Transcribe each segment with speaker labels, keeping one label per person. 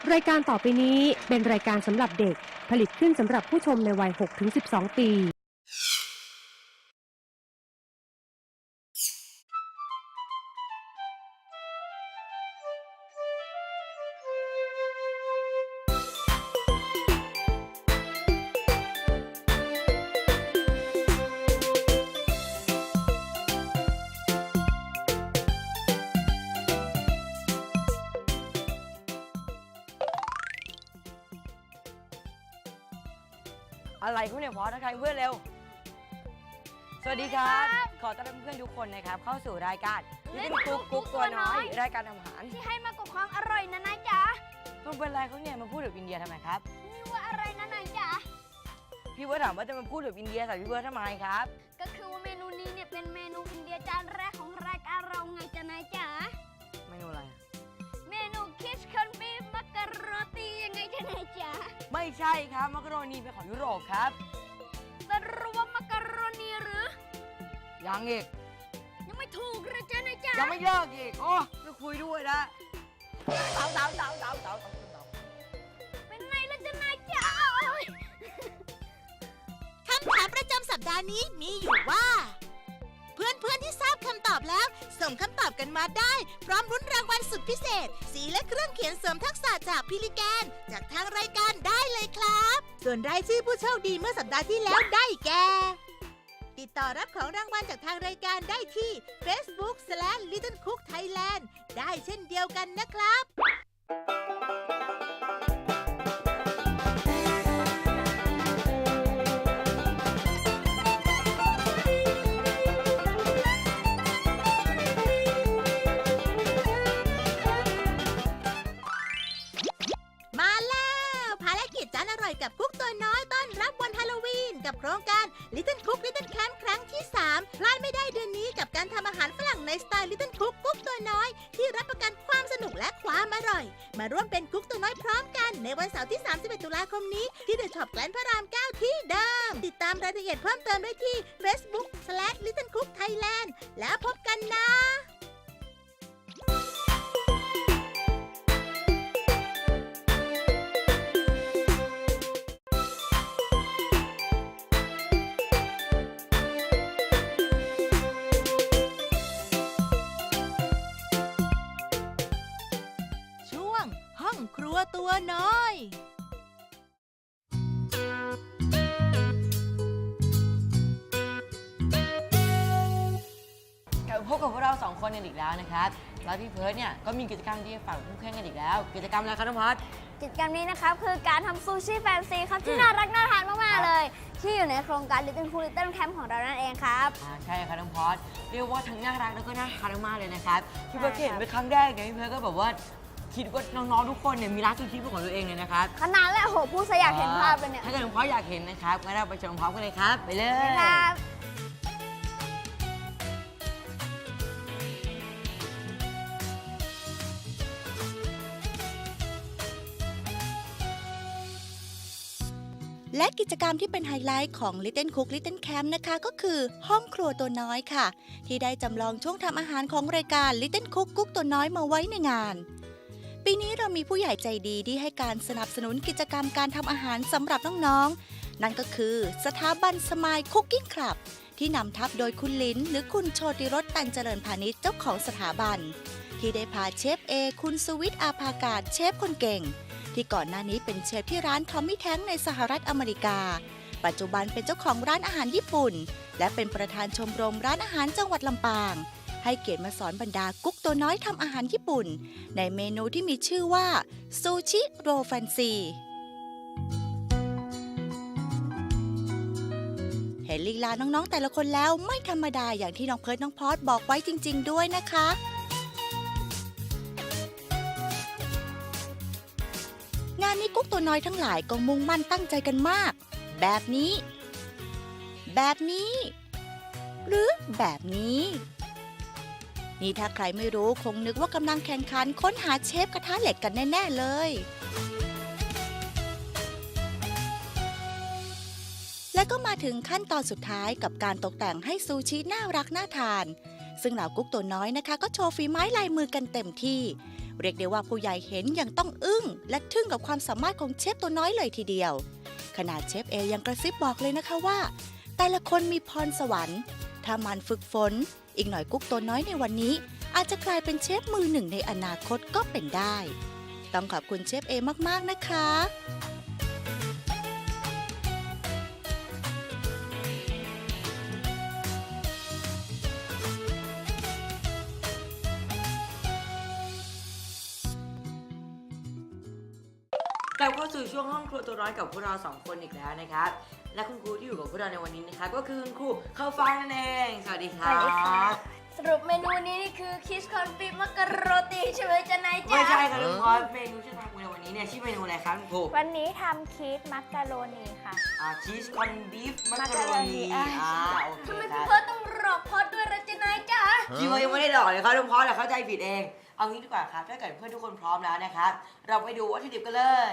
Speaker 1: รายการต่อไปนี้เป็นรายการสำหรับเด็กผลิตขึ้นสำหรับผู้ชมในวัย 6-12 ปี
Speaker 2: อะไรคุณเนี่ยพอทักทายเพื่อนเร็วสวัสดีครับขอต้อนรับเพื่อนทุกคนนะครับเข้าสู่รายการลิตเติ้ลกุ๊กตัวน้อยรายการทำอาหาร
Speaker 3: ที่ให้มากกว่าความอร่อยนะนายจ๋า
Speaker 2: ต้องเป็นไรเขาเนี่ยมาพูดถึงอินเดียทำไมครับ
Speaker 3: นี่ว่าอะไรนะนายจ๋า
Speaker 2: พี่เบิร์ดถามว่าจะมาพูดถึงอินเดียใส่พี่เบิร์ดทำไมครับ
Speaker 3: ก็คือว่าเมนูนี้เนี่ยเป็นเมนูอินเดียจานแรกของรายการเราไงจ๊ะนายจ๋า
Speaker 2: เมนูอะไร
Speaker 3: เมนูคิชคันบีฟมักกะโรตียังไงจ๊ะนายจ๋า
Speaker 2: ไม่ใช่ครับมักกะโรนีเป็นของยุโรปครับ
Speaker 3: สรุปว่ามักกะโรนีหรือ
Speaker 2: ยังอีก
Speaker 3: ยังไม่ถูกเลยจ๊ะนายจ๋า
Speaker 2: ยังไม่เลิกอีกโอ้ไม่คุยด้วยนะเต๋า
Speaker 3: เป็นไงล่ะจ๊ะนายจ๋า
Speaker 4: คำถามประจำสัปดาห์นี้มีอยู่ว่าเพื่อนๆที่ทราบคำตอบแล้วส่งคำตอบกันมาได้พร้อมรุ้นรางวัลสุดพิเศษสีและเครื่องเขียนเสริมทักษะจากพิลิแกนจากทางรายการได้เลยครับส่วนรายชื่อผู้โชคดีเมื่อสัปดาห์ที่แล้วได้แก่ติดต่อรับของรางวัลจากทางรายการได้ที่ Facebook/LittleCookThailand ได้เช่นเดียวกันนะครับกับคุกตัวน้อยต้อนรับวันฮาโลวีนกับโครงการ Little Cook Little Camp ครั้งที่ 3 พลาดไม่ได้เดือนนี้กับการทำอาหารฝรั่งในสไตล์ Little Cook กุ๊กตัวน้อยที่รับประกันความสนุกและความอร่อยมาร่วมเป็นกุ๊กตัวน้อยพร้อมกันในวันเสาร์ที่ 31 ตุลาคมนี้ที่เดอะช็อปแกลนพระราม 9 ที่เดิมติดตามรายละเอียดเพิ่มเติมได้ที่ Facebook/LittleCookThailand แล้วพบกันนะครัวตัวน้อย
Speaker 2: พบกับพวกเรา2คนกันอีกแล้วนะครับแล้วพี่เพิร์ดเนี่ยก็มีกิจกรรมที่จะฝากผู้แข่งกันอีกแล้วกิจกรรมอะไรครับน้องพัด
Speaker 3: กิจกรรมนี้นะครับคือการทำซูชิแฟนซีครับที่น่ารักน่าทานมากๆเลยที่อยู่ในโครงการ Little Cook Little Camp ของเรานั่นเองครับ
Speaker 2: ใช่ครับน้องพัดเรียกว่าทั้งน่ารักแล้วก็น่าทานมากเลยนะครับพี่เพิร์ดเห็นเป็นครั้งแรกไงพี่เพิร์ดก็แบบว่าคิดว่าน้องๆทุกคนเนี่ยมีร้านซูชิเป็นของตัวเองเลยนะครับ
Speaker 3: ขนาดแล้วโหพูดซะอยากเห็นภาพเลยเนี่ย
Speaker 2: ถ้าเกิดน้องพัดอยากเห็นนะครับงั้นเราไปชมพร้อมกันเลยครับไปเลย
Speaker 3: ครับ
Speaker 4: และกิจกรรมที่เป็นไฮไลท์ของ Little Cook Little Camp นะคะก็คือห้องครัวตัวน้อยค่ะที่ได้จำลองช่วงทำอาหารของรายการ Little Cook กุ๊กตัวน้อยมาไว้ในงานปีนี้เรามีผู้ใหญ่ใจดีที่ให้การสนับสนุนกิจกรรมการทำอาหารสำหรับน้องๆนั่นก็คือสถาบันสมายคุกกิ้งคลับที่นำทัพโดยคุณลิ้นหรือคุณโชติรสตันเจริญพาณิชย์เจ้าของสถาบันที่ได้พาเชฟเอคุณสุวิทย์อาภากาศเชฟคนเก่งที่ก่อนหน้านี้เป็นเชฟที่ร้านทอมมี่แท้งในสหรัฐอเมริกาปัจจุบันเป็นเจ้าของร้านอาหารญี่ปุ่นและเป็นประธานชมรมร้านอาหารจังหวัดลำปางให้เกียรติมาสอนบรรดากุ๊กตัวน้อยทำอาหารญี่ปุ่นในเมนูที่มีชื่อว่าซูชิโรแฟนซีเห็นลีลาน้องๆแต่ละคนแล้วไม่ธรรมดาอย่างที่น้องเพิร์ทน้องพอดบอกไว้จริงๆด้วยนะคะงานนี้กุ๊กตัวน้อยทั้งหลายก็มุ่งมั่นตั้งใจกันมากแบบนี้หรือแบบนี้นี่ถ้าใครไม่รู้คงนึกว่ากำลังแข่งขันค้นหาเชฟกระทะเหล็กกันแน่ๆเลยและก็มาถึงขั้นตอนสุดท้ายกับการตกแต่งให้ซูชิน่ารักน่าทานซึ่งเหล่ากุ๊กตัวน้อยนะคะก็โชว์ฝีไม้ลายมือกันเต็มที่เรียกได้ว่าผู้ใหญ่เห็นยังต้องอึ้งและทึ่งกับความสามารถของเชฟตัวน้อยเลยทีเดียวขนาดเชฟเอยังกระซิบบอกเลยนะคะว่าแต่ละคนมีพรสวรรค์ถ้ามันฝึกฝนอีกหน่อยกุ๊กตัวน้อยในวันนี้อาจจะกลายเป็นเชฟมือหนึ่งในอนาคตก็เป็นได้ต้องขอบคุณเชฟเอมากๆนะคะ
Speaker 2: กลับเข้าสู่ช่วงห้องครัวตัวน้อยกับพวกเรา2คนอีกแล้วนะครับและคุณครูที่อยู่กับพวกเราในวันนี้นะครับก็คือคุณครูข้าวฟ่างนั่นเองสวัสดีครับ
Speaker 3: สวัสดีค่ะ สรุปเมนูนี้นี่คือคิสคอนฟิมักกะโรตีใช่ไหมจ๊ะนายจ๊ะ
Speaker 2: ไม่ใช่ครับคุณพ่อเมนูที่ทำในวันนี้เนี่ยชื่อเมนูอะไรครับคุณครู
Speaker 3: วันนี้ทำคีสมักกะโรนีค่ะ
Speaker 2: ชีสคอนบีฟมักกะโรนี
Speaker 3: อ่ะ
Speaker 2: โอเค
Speaker 3: ทำไม
Speaker 2: ค
Speaker 3: พี่
Speaker 2: รับ
Speaker 3: เพิร์ทต้องหลอกพอดด้วยละจ๊ะนายจ๊ะ
Speaker 2: พี่ว่ายังไม่ได้หลอกเลยครับคุณพ่อแต่เข้าใจผิดเองเอางี้ดีกว่าครับถ้าเกิดเพื่อนทุกคนพร้อมแล้วนะครับเราไปดูวัตถุดิบกันเลย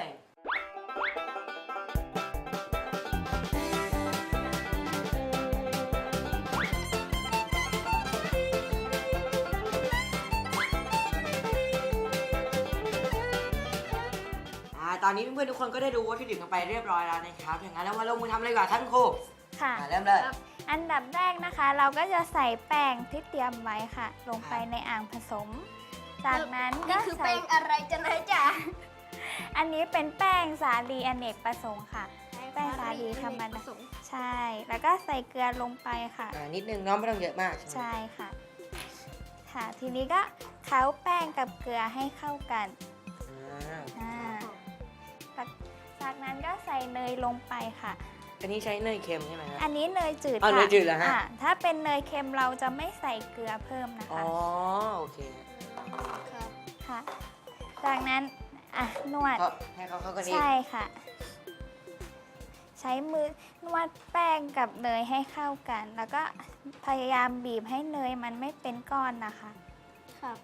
Speaker 2: ตอนนี้เพื่อนๆทุกคนก็ได้ดูวัตถุดิบกันไปเรียบร้อยแล้วนะครับอย่างนั้นแล้วมาลงมือทำเลยดีกว่าครับคุณครู
Speaker 3: ค่ะ
Speaker 2: เริ่มเลย
Speaker 3: อันดับแรกนะคะ เราก็จะใส่แป้งที่เตรียมไว้ค่ะ ลงไปในอ่างผสม จากนั้นก็คือแป้งอะไรจ๊ะนายจ๊ะ อันนี้เป็นแป้งสาลีอเนกประสงค์ค่ะ แป้งสาลีธรรมดาใช่ แล้วก็ใส่เกลือลงไปค่ะ
Speaker 2: นิดนึงเน้องไม่ต้องเยอะมาก
Speaker 3: ใช่ค่ะ ค่ะ ทีนี้ก็เคล้าแป้งกับเกลือให้เข้ากันจากนั้นก็ใส่เนยลงไปค่ะ
Speaker 2: อันนี้ใช้เนยเค็มใช่ไหมครับ
Speaker 3: อันนี้เนยจืด
Speaker 2: เอา
Speaker 3: ค่ะ
Speaker 2: เนยจืดเหรอฮะ
Speaker 3: ถ้าเป็นเนยเค็มเราจะไม่ใส่เกลือเพิ่มนะ
Speaker 2: อ๋
Speaker 3: คะ
Speaker 2: อโอเค
Speaker 3: ค่ะ จากนั้นนวด
Speaker 2: ก็ให้เขาเข้ากันอีก
Speaker 3: ใช่ค่ะ ใช้มือนวดแป้งกับเนยให้เข้ากัน แล้วก็พยายามบีบให้เนยมันไม่เป็นก้อนนะคะครับ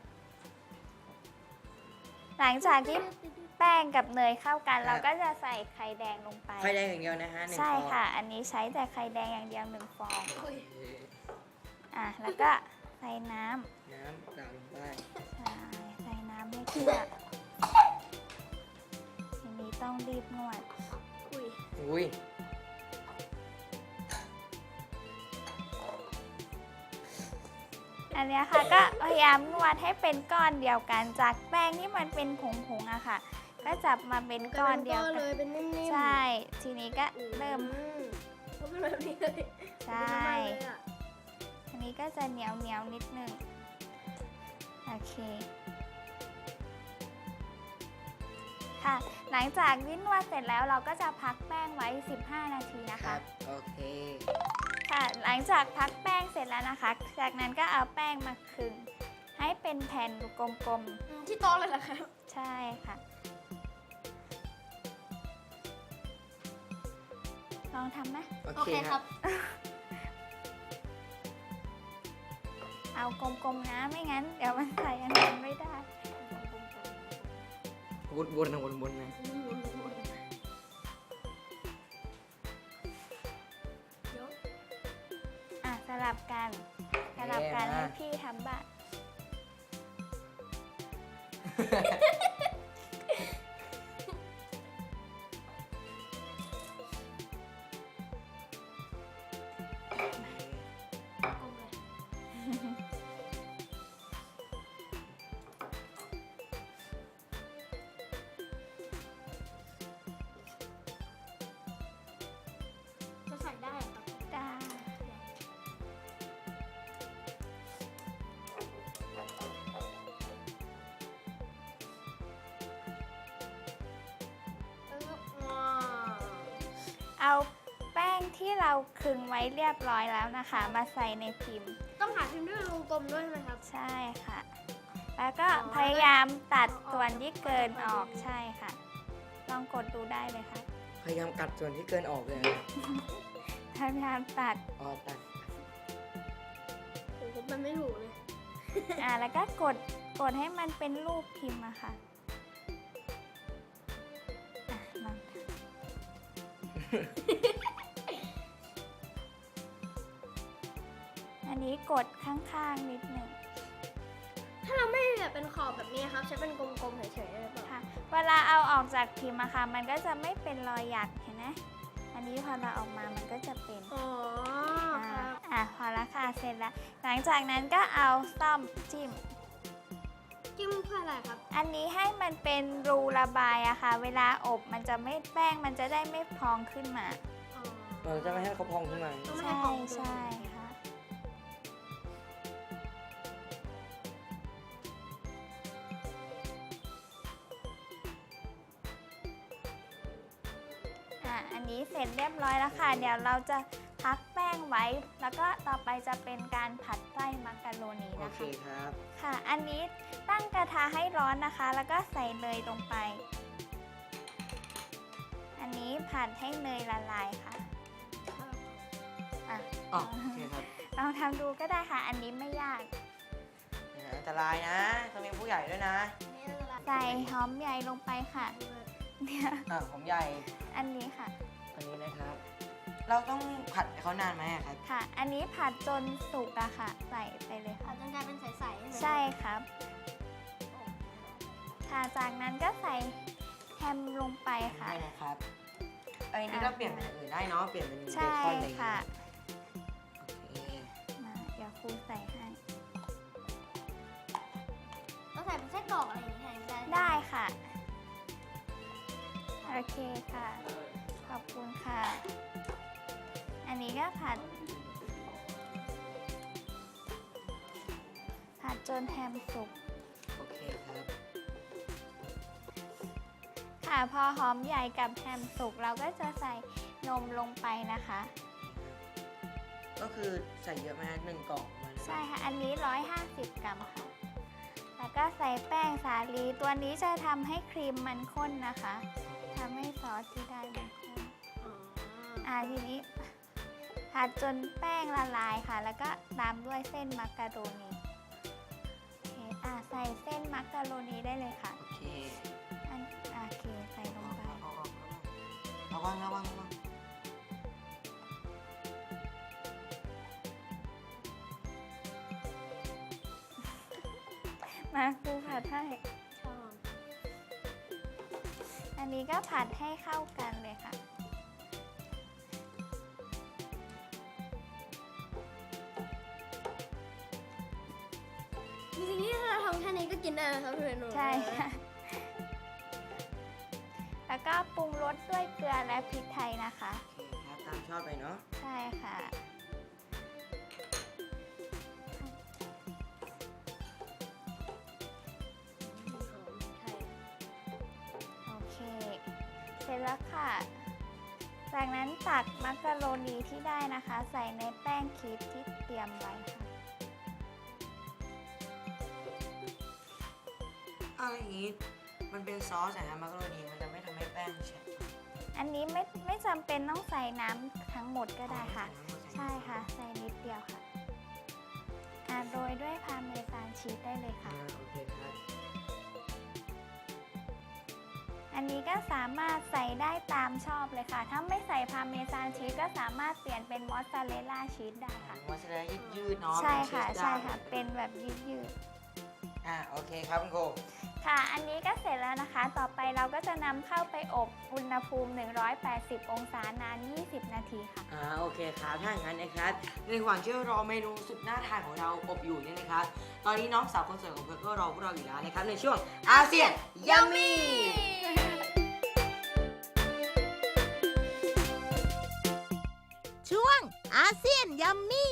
Speaker 3: หลังจากที่แป้งกับเนยเข้ากัน เราก็จะใส่ไข่แดงลงไป
Speaker 2: ไข่แดงอย่างเดียวนะฮะ1
Speaker 3: ใช่
Speaker 2: ฟอง
Speaker 3: ค่ะ อันนี้ใช้แต่ไข่แดงอย่างเดียว1 ฟอง แล้วก็ใส่น้ำ
Speaker 2: น้ำกากลงไป
Speaker 3: ใช่ใส่น้ำให้เกลือทีนี้ต้องรีบนวด
Speaker 2: อุ้ย
Speaker 3: อันเนี้ยค่ะก็พยายามนวดให้เป็นก้อนเดียวกัน จากแป้งที่มันเป็นผงๆอะค่ะ ก็จับมาเป็นก้อนเดียวกัน
Speaker 5: เลยเป็นนิ่มๆ
Speaker 3: ใช่ ทีนี้ก็เริ่ม
Speaker 5: ก็เป็นแบบนี้เลย
Speaker 3: ใช่ ทีนี้ก็จะเหนียวนิดนึงโอเคค่ะ หลังจากที่นวดเสร็จแล้วเราก็จะพักแป้งไว้ 15 นาทีนะ
Speaker 2: ครั
Speaker 3: คะ
Speaker 2: บโอเค
Speaker 3: ค่ะ หลังจากพักแป้งเสร็จแล้วนะคะ จากนั้นก็เอาแป้งมาคลึงให้เป็นแผ่นกลม
Speaker 5: ที่โต๊ะเลยเหรอครับ
Speaker 3: ๆ ใช่ค่ะ ลองทำไหม
Speaker 2: โอเคครับ
Speaker 3: เอากลมๆนะ ไม่งั้นเดี๋ยวมันใส่อันนั้นไม่ได้
Speaker 2: วนๆนะวนๆนะ
Speaker 3: สลับกันให้พี่ทำบ้าง
Speaker 5: จะใส่ได้เหรอครับ
Speaker 3: ได้ เอาแป้งที่เราคลึงไว้เรียบร้อยแล้วนะคะ มาใส่ในพิมพ์
Speaker 5: ต้องหาพิมพ์ด้วยวงกลมด้วยใช่ไหมครับ
Speaker 3: ใช่ค่ะ แล้วก็พยายามตัดส่วนที่เกินออกใช่ค่ะ ลองกดดูได้เลยค่ะ
Speaker 2: พยายามกัดส่วนที่เกินออกเลยนะ
Speaker 3: พยายามตัด
Speaker 2: อ๋อตัด
Speaker 5: โอ้โหมันไม่ถูกเลย
Speaker 3: แล้วก็กดให้มันเป็นรูปพิมพ์อะค่ะลองทำอันนี้กดข้างๆนิดหนึ่ง
Speaker 5: ถ้าเราไม่แบบเป็นขอบแบบนี้ครับใช้เป็นกลมๆเฉยๆได้หรือเปล่า
Speaker 3: ค่ะ เวลาเอาออกจากพิมพ์อะค่ะมันก็จะไม่เป็นรอยหยักเห็นไหมอันนี้พอเราออกมามันก็จะเป็น
Speaker 5: อ๋อครับ
Speaker 3: พอละค่ะเสร็จแล้ว หลังจากนั้นก็เอาซ่อมจิ้ม
Speaker 5: จิ้มเพื่ออะไรครับ
Speaker 3: อันนี้ให้มันเป็นรูระบายอะค่ะ เวลาอบมันจะไม่แป้งมันจะได้ไม่พองขึ้นมา
Speaker 5: อ๋อ
Speaker 2: เราจะไม่ให้เขาพองขึ้นมา
Speaker 5: ต้องไม่ให้
Speaker 3: ใช่
Speaker 5: ของเกิน
Speaker 3: ใช่ค่ะ อันนี้เสร็จเรียบร้อยแล้วค่ะ เดี๋ยวเราจะพักแป้งไว้ แล้วก็ต่อไปจะเป็นการผัดไส้มักกะโรนี
Speaker 2: โอ
Speaker 3: นะ
Speaker 2: เค
Speaker 3: คะ
Speaker 2: ครับ
Speaker 3: ค่ะ อันนี้ตั้งกระทะให้ร้อนนะคะ แล้วก็ใส่เนยลงไป อันนี้ผัดให้เนยละลายค่ะอ่ะ
Speaker 2: อ๋อโอเคครับ
Speaker 3: ลองทำดูก็ได้ค่ะ อันนี้ไม่ยาก
Speaker 2: อันตรายนะต้องมีผู้ใหญ่ด้วยนะ
Speaker 3: ใส่หอมใหญ่ลงไปค่ะเนี่ย
Speaker 2: ผมใหญ่
Speaker 3: อันนี้ค่ะ
Speaker 2: อันนี้นะครับ เราต้องผัดเขานานไหมอะครับ
Speaker 3: ค่ะ อันนี้ผัดจนสุกอะค่ะ ใส่ไปเลย
Speaker 5: อา
Speaker 3: ค่ะ
Speaker 5: จจะกลายเป็นใสๆใช่ไหม
Speaker 3: ใช่ครับ ค่ะ จากนั้นก็ใส่แฮมลงไปค่ะ
Speaker 2: ได้นะครับอันนี้เราเปลี่ยนเป็นอย่างอื่นได้เนาะ เปลี่ยนเป็นเบ
Speaker 3: ใช่
Speaker 2: คอนอะไรอย่างเงี้
Speaker 3: ค่ะ
Speaker 2: ยโอเค
Speaker 3: มาเดี๋ยวครูใส่ให้
Speaker 5: ต้องใส่เป็นไส้กรอกอะไรอย่างนี้ได้
Speaker 3: ได้ค่ะ โอเคค่ะ ขอบคุณค่ะ อันนี้ก็ผัดจนแฮมสุก
Speaker 2: โอเคครับ
Speaker 3: ค่ะ พอหอมใหญ่กับแฮมสุกเราก็จะใส่นมลงไปนะคะ
Speaker 2: ก็คือใส่เยอะไหมฮะ1 กล่องประมาณ
Speaker 3: ใช่ค่ะ อันนี้ 150 กรัมค่ะ แล้วก็ใส่แป้งสาลี ตัวนี้จะทำให้ครีมมันข้นนะคะทำให้ซอสที่ได้มันข้น ทีนี้ผัดจนแป้งละลายค่ะ แล้วก็ตามด้วยเส้นมักกะโรนีโอเคใส่เส้นมักกะโรนีได้เลยค่ะ
Speaker 2: โอเค
Speaker 3: โอเคใส่ลงไป
Speaker 2: ระวัง
Speaker 3: มาครูผัดให้
Speaker 5: ชอบ
Speaker 3: อันนี้ก็ผัดให้เข้ากันเลยค่ะ
Speaker 5: จริงๆนี่ถ้าเราทำแค่นี้ก็กินได้นะครับพี่เรนู
Speaker 3: ใช่ค่ะ แล้วก็ปรุงรสด้วยเกลือและพริกไทยนะคะ
Speaker 2: โอเคครับ ตามชอบไปเนาะ
Speaker 3: ใช่ค่ะ โอเค เสร็จแล้วค่ะ จากนั้นตักมักกะโรนีที่ได้นะคะ ใส่ในแป้งคีฟที่เตรียมไว้ค่ะ
Speaker 2: อะไรอย่างงี้ มันเป็นซอสอะฮะมักกะโรนีมันจะไม่ทำให้แป้งแฉะ
Speaker 3: อันนี้ไม่จำเป็นต้องใส่น้ำทั้งหมดก็ได้ค่ะ ใช่ค่ะ ใส่นิดเดียวค่ะโรยด้วยพาร์เมซานชีสได้เลยค่ะ
Speaker 2: โอเคครับ
Speaker 3: อันนี้ก็สามารถใส่ได้ตามชอบเลยค่ะ ถ้าไม่ใส่พาร์เมซานชีสก็สามารถเปลี่ยนเป็นมอสซาเรลล่าชีสได้ค่ะ
Speaker 2: มอสซาเรลล่ายืดๆเนาะ
Speaker 3: ใช่ค่ะ
Speaker 2: เป็นชีส
Speaker 3: ใช่ค่ะ
Speaker 2: ได้
Speaker 3: เป็นแบบยืด
Speaker 2: โอเคครับคุณครู
Speaker 3: ๆค่ะ อันนี้ก็เสร็จแล้วนะคะ ต่อไปเราก็จะนำเข้าไปอบอุณหภูมิ 180 องศานาน 20 นาทีค่ะ
Speaker 2: โอเคครับถ้าอย่างนั้นนะครับ ในระหว่างที่รอเมนูสุดน่าทานของเราอบอยู่เนี่ยนะครับ ตอนนี้น้องสาวคนสวยของเพื่อนก็รอพวกเราอยู่แล้วนะครับ ในช่วงอาเซียนยัมมี่
Speaker 4: ช่วงอาเซียนยัมมี่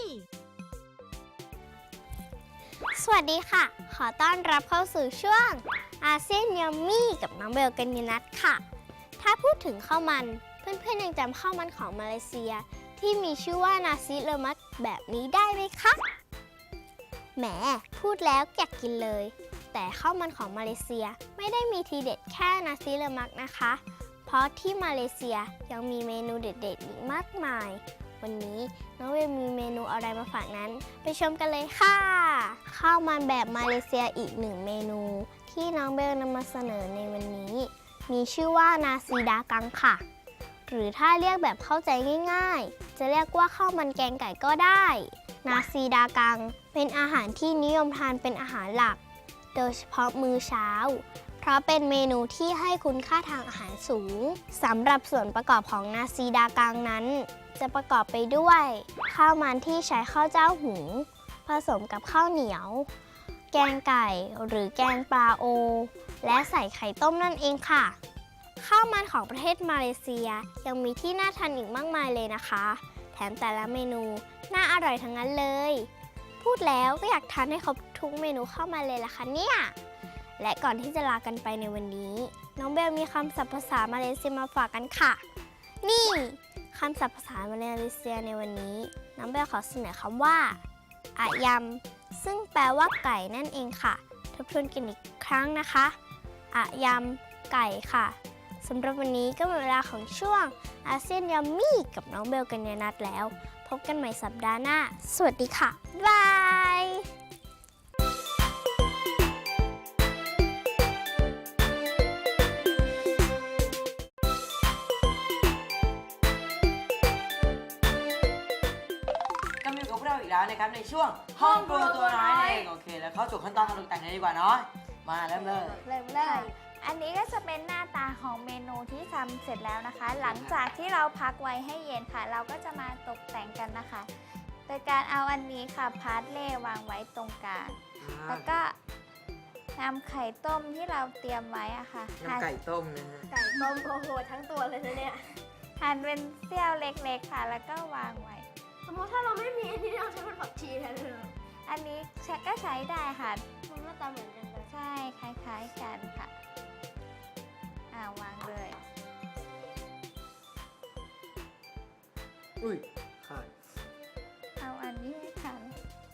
Speaker 6: สวัสดีค่ะ ขอต้อนรับเข้าสู่ช่วงอาเซียนยัมมี่กับน้องเบลกัญญนัทค่ะ ถ้าพูดถึงข้าวมัน เพื่อนๆยังจำข้าวมันของมาเลเซีย ที่มีชื่อว่านาซิเลมักแบบนี้ได้ไหมคะแหมพูดแล้วอยากกินเลย แต่ข้าวมันของมาเลเซียไม่ได้มีทีเด็ดแค่นาซิเลมักนะคะ เพราะที่มาเลเซียยังมีเมนูเด็ดๆอีกมากมาย วันนี้น้องเวลมีเมนูอะไรมาฝากนั้นไปชมกันเลยค่ะ ข้าวมันแบบมาเลเซียอีกหนึ่งเมนู ที่น้องเบลนำมาเสนอในวันนี้ มีชื่อว่านาซีดากังค่ะ หรือถ้าเรียกแบบเข้าใจง่ายๆ จะเรียกว่าข้าวมันแกงไก่ก็ได้ นาซีดากังเป็นอาหารที่นิยมทานเป็นอาหารหลักโดยเฉพาะมื้อเช้า เพราะเป็นเมนูที่ให้คุณค่าทางอาหารสูงสำหรับส่วนประกอบของนาซีดากังนั้น จะประกอบไปด้วยข้าวมันที่ใช้ข้าวเจ้าหุงผสมกับข้าวเหนียว แกงไก่หรือแกงปลาโอ และใส่ไข่ต้มนั่นเองค่ะ ข้าวมันของประเทศมาเลเซียยังมีที่น่าทานอีกมากมายเลยนะคะ แถมแต่ละเมนูน่าอร่อยทั้งนั้นเลย พูดแล้วก็อยากทานให้ครบทุกเมนูเข้ามาเลยล่ะคะเนี่ย และก่อนที่จะลากันไปในวันนี้ น้องเบลมีคำศัพท์ภาษามาเลเซียมาฝากกันค่ะ นี่คำศัพท์ภาษามาเลเซียในวันนี้ น้องเบลขอเสนอคำว่าอะยำซึ่งแปลว่าไก่นั่นเองค่ะ ทบทวนกันอีกครั้งนะคะอะยำไก่ค่ะสำหรับวันนี้ก็หมดเวลาของช่วงอาเซียนยัมมี่กับน้องเบลกัญญานัทแล้ว พบกันใหม่สัปดาห์หน้า สวัสดีค่ะ บาย
Speaker 2: ก็มาอยู่กับพวกเราอีกแล้วนะครับในช่วงห้องครัวตัวน้อยนั่นเองโอเคแล้วเข้าสู่ขั้นตอนการตกแต่งเลยดีกว่าเนาะมาเริ่มเลย
Speaker 3: เริ่มเลยอันนี้ก็จะเป็นหน้าตาของเมนูที่ทำเสร็จแล้วนะคะ หลังจากที่เราพักไว้ให้เย็นค่ะ เราก็จะมาตกแต่งกันนะคะ โดยการเอาอันนี้ค่ะพาร์ทเล่วางไว้ตรงกลางแล้วก็นำไข่ต้มที่เราเตรียมไว้อะค่ะ
Speaker 2: น้ำไก่ต้มนะฮะ
Speaker 5: ไก่ต้มโอ้โหทั้งตัวเลยนะเนี่ย
Speaker 3: หั่นเป็นเสี้ยวเล็กๆค่ะ แล้วก็วางไว้
Speaker 5: สมมติถ้าเราไม่มีอันนี้เราใช้เป็นผักชีแทนเลยเหรอ
Speaker 3: อันนี้ก็ใช้ได้ค่ะ
Speaker 5: มันหน้าตาเหมือนกันเลย
Speaker 3: ใช่คล้ายๆกันค่ะวางเลย
Speaker 2: อุ้ยขาด
Speaker 3: เอาอันนี้ให้ทัน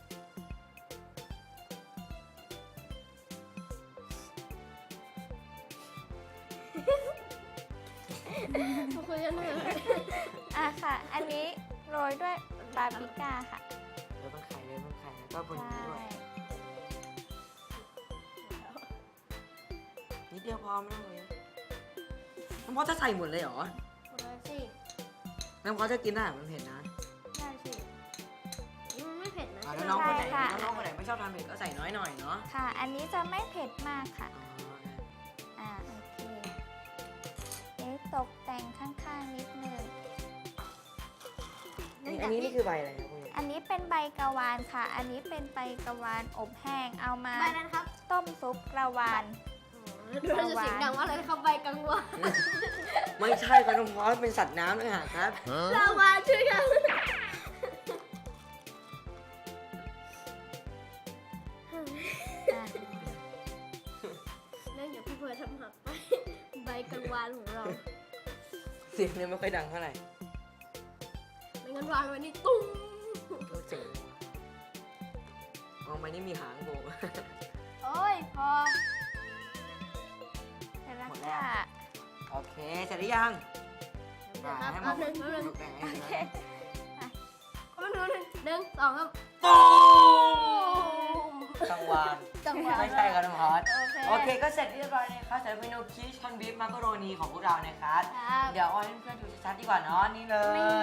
Speaker 5: ทุกคนจะเหนื่อย
Speaker 3: ค่ะ อันนี้โรยด้วยบาร์บีก้าค่ะ
Speaker 2: แล้วต้องไข่เลยต้องไข่แล้วก็บน
Speaker 3: ใช่
Speaker 2: นี้ด้วยนิดเดียวพอไม่ต้องเลยน้ำพอจะใส่หมดเลยเหรอ
Speaker 5: หมดแล้วสิ
Speaker 2: น้ำพอจะกินได้มันเผ็ดนะ
Speaker 5: ได้สิมันไม่เผ็ดนะ
Speaker 2: แล้วน้องคนไหนน้องคนไหนไม่ชอบทานเผ็ดก็ใส่น้อยหน่อยเนาะ
Speaker 3: ค่ะ อันนี้จะไม่เผ็ดมากค่ะ
Speaker 2: อ๋อ
Speaker 3: โอเคตกแต่งข้างๆนิดนึง
Speaker 2: อันนี้นี่คือใบอะไรครับพวกนี้
Speaker 3: อันนี้เป็นใบกะวานค่ะ อันนี้เป็นใบกะวานอบแห้ง เอามา
Speaker 5: ใบนั้นครับ
Speaker 3: ต้มซุปกระวาน
Speaker 5: ดูเราจะเสียงดังว่าอะไรนะครับใบกังวาน
Speaker 2: ไม่ใช่ครับน้องพอเป็นสัตว์น้ำเลยฮะครับ
Speaker 5: ลาวาชื่อกันเนื่องจากพี่เพิร์ททำหักไปใบกังวานของเรา
Speaker 2: เสียงเนี่ยไม่ค่อยดังเท่าไหร่
Speaker 5: ไม่งั้นวางไว้นี่ตุ้ม
Speaker 2: ก็เจ๋งมองไปนี่มีหางโผล่มา
Speaker 5: โอ้ยพอ
Speaker 3: เสร็จแล้ว
Speaker 2: หมดแล้ว
Speaker 3: ค่ะ
Speaker 2: โอเคเสร็จหรือยัง
Speaker 5: เดี๋ยวครับ
Speaker 2: ให้
Speaker 5: แป๊
Speaker 2: มา
Speaker 5: บนึงแป๊บนึง
Speaker 2: ตกแต่งให้
Speaker 3: โอ
Speaker 2: ดี
Speaker 3: เค
Speaker 2: นะ
Speaker 5: แป๊บนึงหนึ่งสองครับ
Speaker 2: ตูมกังวาน
Speaker 5: จังหวะ
Speaker 2: ไม่ใช่ครับน้องพอด
Speaker 5: โอเค
Speaker 2: โอเคก็เสร็จเรียบร้อยนะครับสำหรับเมนูคิชคอนบีฟมักกะโรนีของพวกเรานะครับ
Speaker 5: ครับ
Speaker 2: เดี๋ยวเอาให้เพื่อนๆดูชัดๆดีกว่าเนาะนี่เลย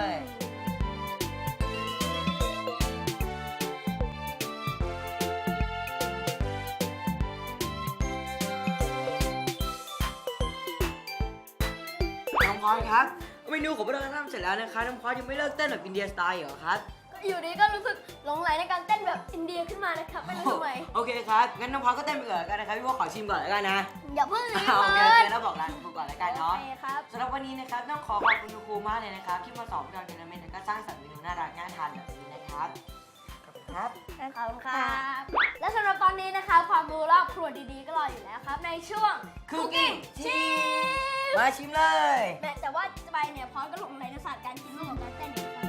Speaker 2: น้องพอดครับเมนูของพวกเราทำเสร็จแล้วนะคะน้องพอดยังไม่เลิกเต้นแบบอินเดียสไตล์เหรอครับ
Speaker 5: อยู่ดีก็รู้สึกหลงไหลในการเต้นแบบอินเดียขึ้นมานะครับไม่รู้ทำไม
Speaker 2: โอเคครับงั้นน้องพอดก็เต้นไปก่อนแล้วกันนะครับพี่ว่าขอชิมก่อนแล้วกันนะ
Speaker 5: อย่าเพิ่งรีบ
Speaker 2: โอเค
Speaker 5: เพิ
Speaker 2: โอ
Speaker 5: ร์
Speaker 2: เคแล้วบอกร้านครูก่อนแล้วกัน
Speaker 5: โอ
Speaker 2: เนาะ
Speaker 5: เคครับ
Speaker 2: สำหรับวันนี้นะครับต้องขอขอบคุณครูมากเลยนะครับที่มาสอนพวกเราเทเลเมนต์และก็สร้างสรรค์เมนูน่ารักน่าทานแบบนี้นะครับขอบคุณครับ
Speaker 5: ขอบคุณครับ และสำหรับตอนนี้นะคะความรู้รอบครัวดีๆก็รออยู่แล้วครับ ในช่วง
Speaker 2: Cooking
Speaker 5: ชิม
Speaker 2: มาชิมเลย
Speaker 5: แต่ว่าไปเนี่ยพร้อมก็หลงไหลในศาสตร์การกินมากกว่าการเต้นอีกครับ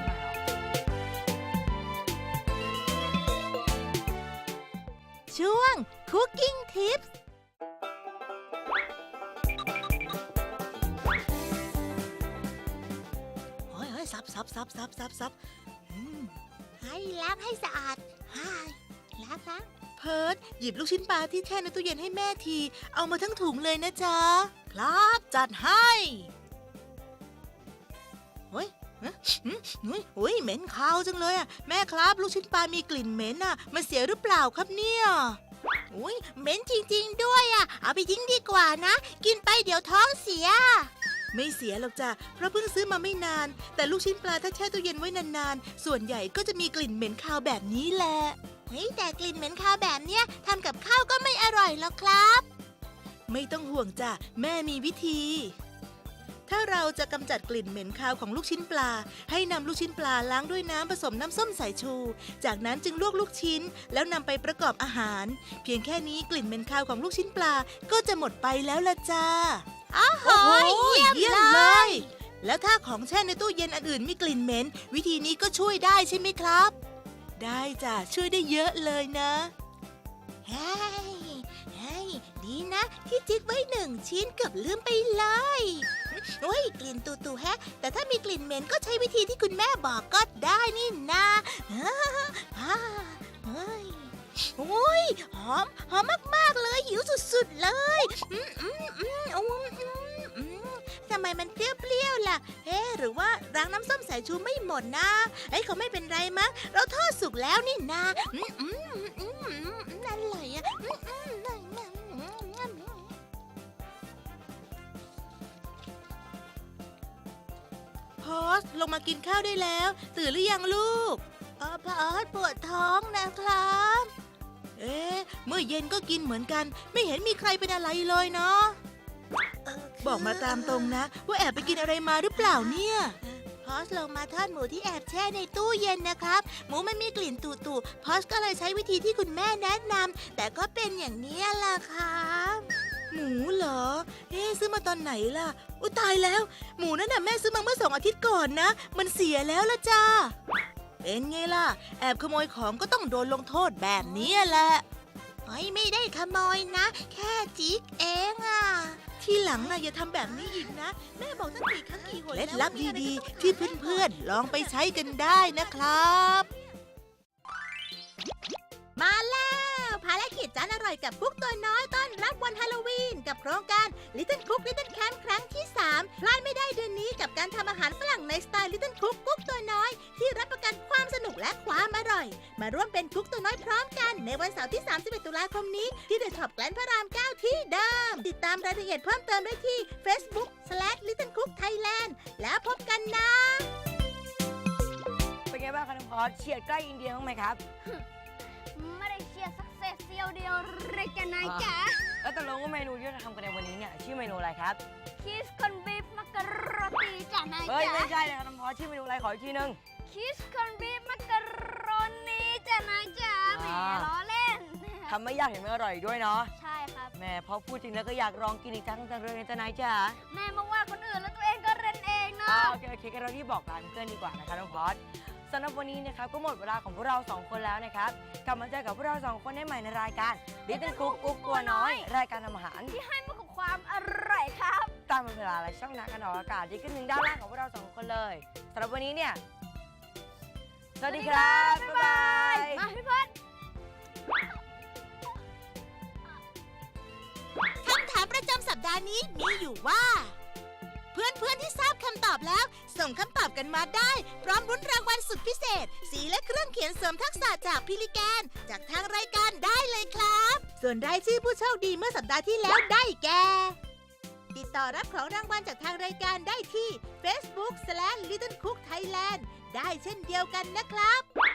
Speaker 4: ช่วง Cooking Tips เฮ้ยซับให้ล้างให้สะอาดล้างเพิร์ดหยิบลูกชิ้นปลาที่แช่ในตู้เย็นให้แม่ที เอามาทั้งถุงเลยนะจ๊ะ ครับจัดให้เฮ้ยเหม็นคาวจังเลยอ่ะแม่ครับลูกชิ้นปลามีกลิ่นเหม็นอ่ะมันเสียหรือเปล่าครับเนี่ยอุ้ยเหม็นจริงๆด้วยอ่ะ เอาไปทิ้งดีกว่านะ กินไปเดี๋ยวท้องเสีย ไม่เสียหรอกจ้ะ เพราะเพิ่งซื้อมาไม่นาน แต่ลูกชิ้นปลาถ้าแช่ตู้เย็นไว้นานๆ ส่วนใหญ่ก็จะมีกลิ่นเหม็นคาวแบบนี้แหละ เฮ้ยแต่กลิ่นเหม็นคาวแบบเนี้ยทำกับข้าวก็ไม่อร่อยหรอกครับ ไม่ต้องห่วงจ้ะ แม่มีวิธี ถ้าเราจะกำจัดกลิ่นเหม็นคาวของลูกชิ้นปลา ให้นำลูกชิ้นปลาล้างด้วยน้ำผสมน้ำส้มสายชู จากนั้นจึงลวกลูกชิ้น แล้วนำไปประกอบอาหาร เพียงแค่นี้กลิ่นเหม็นคาวของลูกชิ้นปลาก็จะหมดไปแล้วล่ะจ้าโอ้โหเยี่ยมเลย แล้วถ้าของแช่ในตู้เย็นอันอื่นมีกลิ่นเหม็น วิธีนี้ก็ช่วยได้ใช่ไหมครับ ได้จ้ะช่วยได้เยอะเลยนะเฮ้ยดีนะที่จิ๊กไว้1 ชิ้นเกือบลืมไปเลยโอ้ยกลิ่นตูๆแฮะแต่ถ้ามีกลิ่นเหม็นก็ใช้วิธีที่คุณแม่บอกก็ได้นี่นะเฮ้ยโอ้ยหอมมากๆเลยหิวสุดๆเลยทำไมมันเปรี้ยวๆล่ะหรือว่าล้างน้ำส้มสายชูไม่หมดนะเขาไม่เป็นไรมั้งเราทอดสุกแล้วนี่นะนั่นเลยอะพอสลงมากินข้าวได้แล้วตื่นหรือยังลูกพอสปวดท้องนะครับเมื่อเย็นก็กินเหมือนกันไม่เห็นมีใครเป็นอะไรเลยเนาะบอกมาตามตรงนะว่าแอบไปกินอะไรมาหรือเปล่าเนี่ยพอสลงมาทอดหมูที่แอบแช่ในตู้เย็นนะครับหมูมันมีกลิ่นตุ่ๆพอสก็เลยใช้วิธีที่คุณแม่แนะนำแต่ก็เป็นอย่างนี้ล่ะครับหมูเหรอซื้อมาตอนไหนล่ะอุ๊ยตายแล้วหมูนั่นน่ะแม่ซื้อมาเมื่อ2 อาทิตย์ก่อนนะมันเสียแล้วล่ะจ้าเป็นไงล่ะแอบขโมยของก็ต้องโดนลงโทษแบบนี้แหละไม่ได้ขโมยนะแค่จิ๊กเองอ่ะทีหลังนะอย่าทำแบบนี้อีกนะแม่บอกตั้งกี่ครั้งกี่หนเคล็ดลับดีๆที่เพื่อนๆลองไปใช้กันได้นะครับมาแล้วภารกิจจานอร่อยกับกุ๊กตัวน้อยต้อนรับวันฮาโลวีนกับโครงการ Little Cook Little Camp ครั้งที่ 3 พลาดไม่ได้เดือนนี้กับการทำอาหารฝรั่งในสไตล์ Little Cook กุ๊กตัวน้อยที่รับประกันความสนุกและความอร่อยมาร่วมเป็นกุ๊กตัวน้อยพร้อมกันในวันเสาร์ที่ 31 ตุลาคมนี้ที่ The Top แกลนพระราม 9 ที่เดิมติดตามรายละเอียดเพิ่มเติมได้ที่ Facebook/Little Cook Thailand แล้วพบกันนะ
Speaker 2: เป็นไงบ้างคะน้องพอสเฉียดใกล้อินเดียบ้างไหมครับ
Speaker 5: ไม่ได้เชียร์สักเซสเซียวเดียวเลยจ้ะนายจ๋า
Speaker 2: แล้วตกลงว่าเมนูที่เราทำกันในวันนี้เนี่ยชื่อเมนูอะไรครับ
Speaker 5: คิสคอนบีฟมักกะโรตีจ้ะนาย
Speaker 2: เฮ้ย
Speaker 5: จ๋า
Speaker 2: ไม่ใช่เลยครับน้องพอสชื่อเมนูอะไรขออีกทีนึง
Speaker 5: คิสคอนบีฟมักกะโรนีจ้ะนายจ๋าแหมล้อเล่น
Speaker 2: ทำไม่ยากเห็นไม่อร่อยอีกด้วยเนาะ
Speaker 5: ใช่ครับ
Speaker 2: แม่พอพูดจริงแล้วก็อยากลองกินอีกครั้งจังเลยนะจ๊ะนายจ๋า
Speaker 5: แม่มาว่าคนอื่นแล้วตัวเองก็เรนเองเนาะ
Speaker 2: โอเคกันเราที่บอกลาเพื่อนดีกว่านะคะน้องพอสสำหรับวันนี้นะครับก็หมดเวลาของพวกเรา2 คนแล้วนะครับกลับมาเจอกับพวกเรา2 คนได้ใหม่ในรายการ Little Cook กุ๊กตัวน้อยรายการทำอาหาร
Speaker 5: ที่ให้มากับความอร่อยครับ
Speaker 2: ตามเวลาและช่องทางการออกอากาศที่ขึ้นหนึ่งด้านล่างของพวกเรา2 คนเลยสำหรับวันนี้เนี่ยสวัสดีครับ บ๊ายบาย
Speaker 5: มาพี่เพิ่น
Speaker 4: คำถามประจำสัปดาห์นี้มีอยู่ว่า เพื่อนๆที่ทราบคำตอบแล้ว ส่งคำตอบกันมาได้ พร้อมรุ้นรางวัลสุดพิเศษ สีและเครื่องเขียนเสริมทักษะจากพิลิแกนจากทางรายการได้เลยครับ ส่วนรายชื่อผู้โชคดีเมื่อสัปดาห์ที่แล้วได้แก่ ติดต่อรับของรางวัลจากทางรายการได้ที่ Facebook/Little Cook Thailand ได้เช่นเดียวกันนะครับ